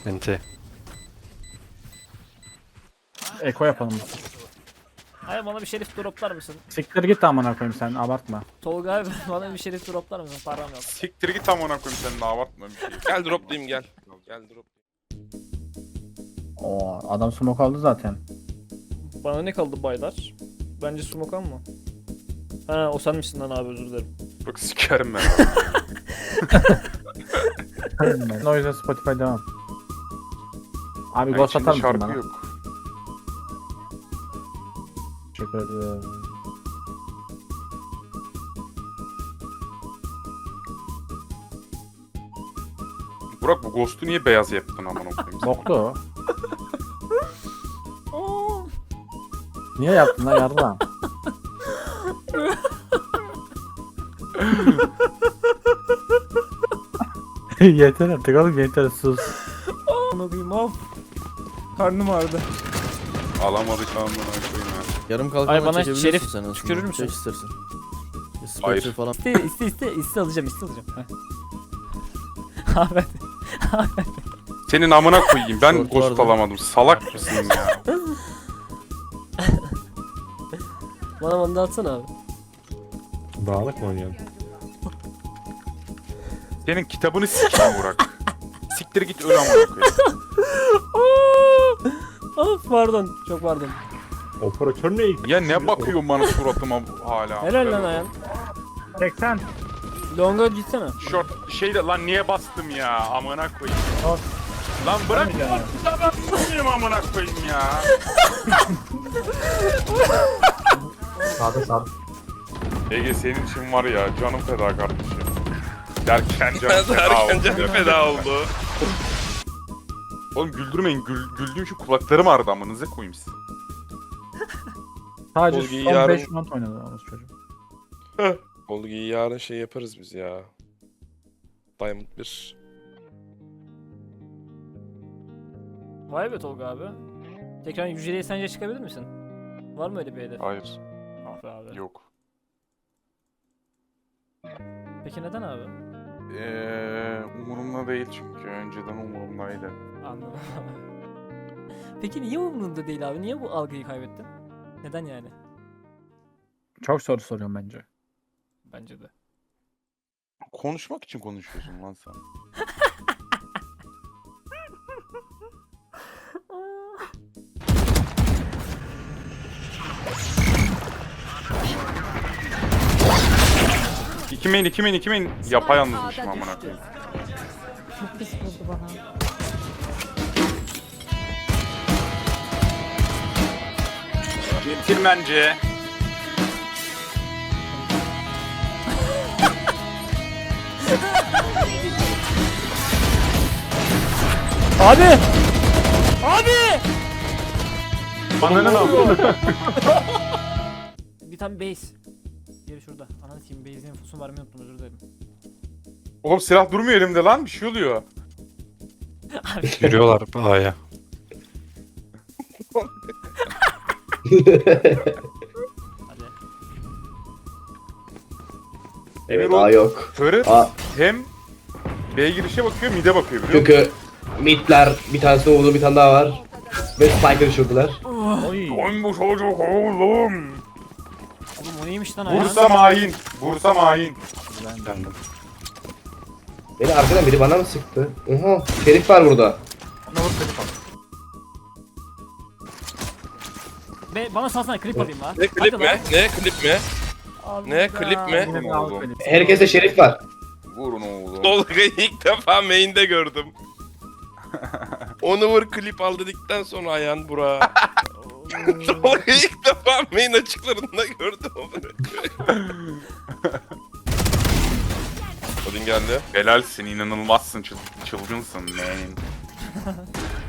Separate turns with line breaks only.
Ente.
Eko yapalım.
Hayır bana bir şerif droplar mısın?
Siktir git amına koyayım sen abartma.
Tolga abi bana bir şerif droplar mısın? Param yok.
Siktir git amına koyayım senin de abartma bir şey.
Gel droplayayım gel. Gel drop.
Oo adam smoke aldı zaten.
Bana ne kaldı baylar? Bence smoke mı? Ha o sen misin lan abi, özür dilerim.
Bak sikerim ben abi.
O yüzden Spotify devam. Abi
Yani
ghost
içinde
atar mısın
şarkı
bana?
yok.
Teşekkür ederim.
Burak bu Ghost'u niye beyaz yaptın amına koyayım?
Boktu o.
Aa,
Niye yaptın lan yardım? Yeter artık oğlum yeter sus.
Amına koyayım of. Karnım ağrıdı.
Alamadık amına koyayım ya.
Yarım kalkan
Ay, bana
çekebilirsin
şerif
sen aslında.
tükürür müsün?
Çek istersen.
Hayır.
Sponsor falan.
İste alacağım. Abi
Senin amına koyayım ben
Short
Ghost
vardı.
alamadım. Salak mısın ya?
Bana manda atsana abi.
Bağlık mı oynuyorsun?
Senin kitabını sikeyim Burak. Siktir git öl amına koyayım.
of pardon, çok pardon.
Operatör ne?
Ya ne bakıyorsun bana suratıma hala?
Helal lan Ayhan.
80.
Longa gitsene.
Short şeyde lan niye bastım ya amına koyayım.
Of.
Lan bırak kitaba bakayım amına koyayım ya.
Sağda.
Ege senin için var ya canım feda kardeşim. Derken canım feda
Derken
oldu.
canım feda oldu.
Oğlum güldürmeyin. Güldüğüm şu kulaklarım ağrıdı amınıza koyayım siz.
Sadece
Olgu'yu
son
yarın-
5 round oynadı orası çocuk.
Olgu'yu yarın şey yaparız biz ya. Diamond 1.
Vay be Tolga abi. Tekrar yüceliğe sence çıkabilir misin? Var mı öyle bir hedef?
Hayır.
Ah be abi.
Yok.
Peki neden abi?
Umurumda değil çünkü. Önceden umurumdaydı.
Anladım. Peki niye umurunda değil abi? Niye bu algıyı kaybettin? Neden yani?
Çok soru soruyorum bence.
Bence de.
Konuşmak için konuşuyorsun lan sen. iki main. Yapayalnızmışım amına koyayım.
Çok pis vurdu bana.
Centilmence.
Abi! Abi!
Ananı ne yapıyorsun?
Bir tane base. Diğeri şurada. Ananı sikeyim, base'in infosunu vermeyi unuttum, özür dilerim.
Oğlum silah durmuyor elimde lan. Bir şey oluyor.
Yürüyorlar A'ya.
Hadi.
Emir
Evet,
o
A yok.
körü
A,
hem B girişe bakıyor, mid'e bakıyor biliyor musun?
çünkü midler bir tanesi vurdu, bir tane daha var. Ve Spike'ı düşürdüler.
Oy.
Oğlum bu çocuk oğlum.
Oğlum o neymiş lan Ayhan?
Bursa mahin. Bursa mahin.
Geldim.
Beni arkadan biri bana mı sıktı? Oha, Şerif var burada.
Bana salsana, klip alayım lan.
Ne klip
Hadi
mi?
lan.
Ne klip mi?
Allah
Ne klip mi?
Yine bir
Oğlum.
alt benim.
Herkeste Şerif var.
Vurun oğlum.
Tolga'yı ilk defa main'de gördüm. Onu vur klip al dedikten sonra Ayhan Burak'a. Tolga'yı ilk defa main açıklarında gördüm. Odin geldi.
Helalsin, inanılmazsın, çılgınsın man.